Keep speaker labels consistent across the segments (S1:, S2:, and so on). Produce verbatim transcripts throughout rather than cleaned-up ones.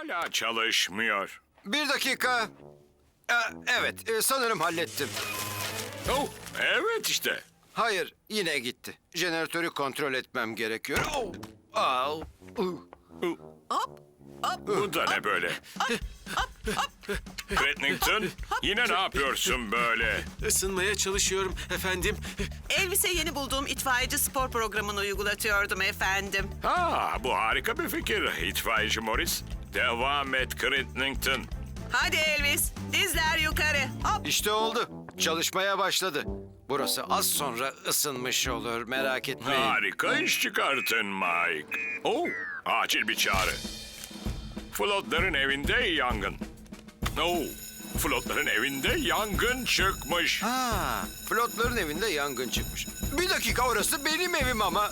S1: hala çalışmıyor.
S2: Bir dakika. Ee, evet, e, sanırım hallettim.
S1: Oh, evet işte.
S2: Hayır, yine gitti. Jeneratörü kontrol etmem gerekiyor. Oh. Au. Uh.
S1: Bu da ne böyle? Crittington, yine ne yapıyorsun böyle?
S3: Isınmaya çalışıyorum efendim.
S4: Elvis'e yeni bulduğum itfaiyeci spor programını uygulatıyordum efendim.
S1: Ha, bu harika bir fikir itfaiyeci Morris. Devam et Crittington.
S4: Hadi Elvis, dizler yukarı. Hop.
S2: İşte oldu. Çalışmaya başladı. Burası az sonra ısınmış olur, merak etmeyin.
S1: Harika iş çıkartın Mike. Oh, acil bir çağrı. Flotların evinde yangın. Oh, Flotların evinde yangın çıkmış.
S2: Ha, Flotların evinde yangın çıkmış. Bir dakika, orası benim evim ama.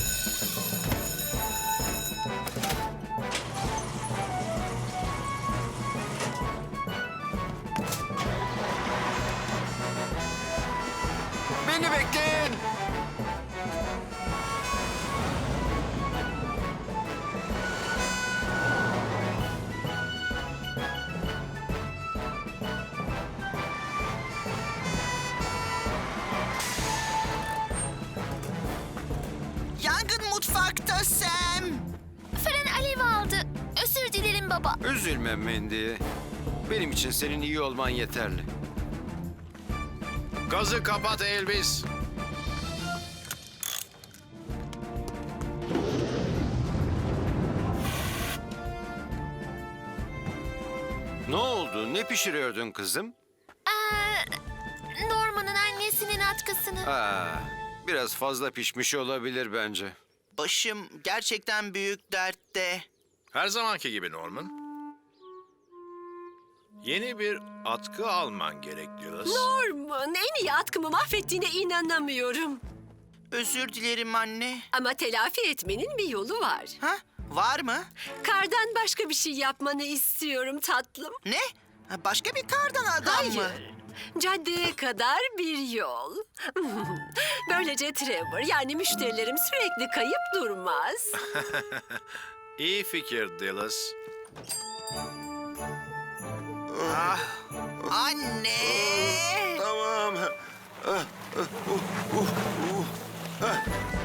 S2: Beni bekleyin.
S4: Yangın mutfakta Sam.
S5: Fren alev aldı. Özür dilerim baba.
S2: Üzülme Mandy. Benim için senin iyi olman yeterli.
S6: Gazı kapat Elvis.
S2: Ne oldu? Ne pişiriyordun kızım?
S5: Ee, Norman'ın annesinin atkısını.
S2: Ha, biraz fazla pişmiş olabilir bence.
S4: Başım gerçekten büyük dertte.
S6: Her zamanki gibi Norman. Yeni bir atkı alman gerek Dillas.
S7: Norman, en iyi atkımı mahvettiğine inanamıyorum.
S4: Özür dilerim anne.
S7: Ama telafi etmenin bir yolu var.
S4: Ha? Var mı?
S7: Kardan başka bir şey yapmanı istiyorum tatlım.
S4: Ne? Ha, Başka bir kardan adam mı?
S7: Hayır. Caddeye kadar bir yol. Böylece Trevor, yani müşterilerim sürekli kayıp durmaz.
S6: İyi fikir Dillas.
S4: Anne!
S2: Tamam.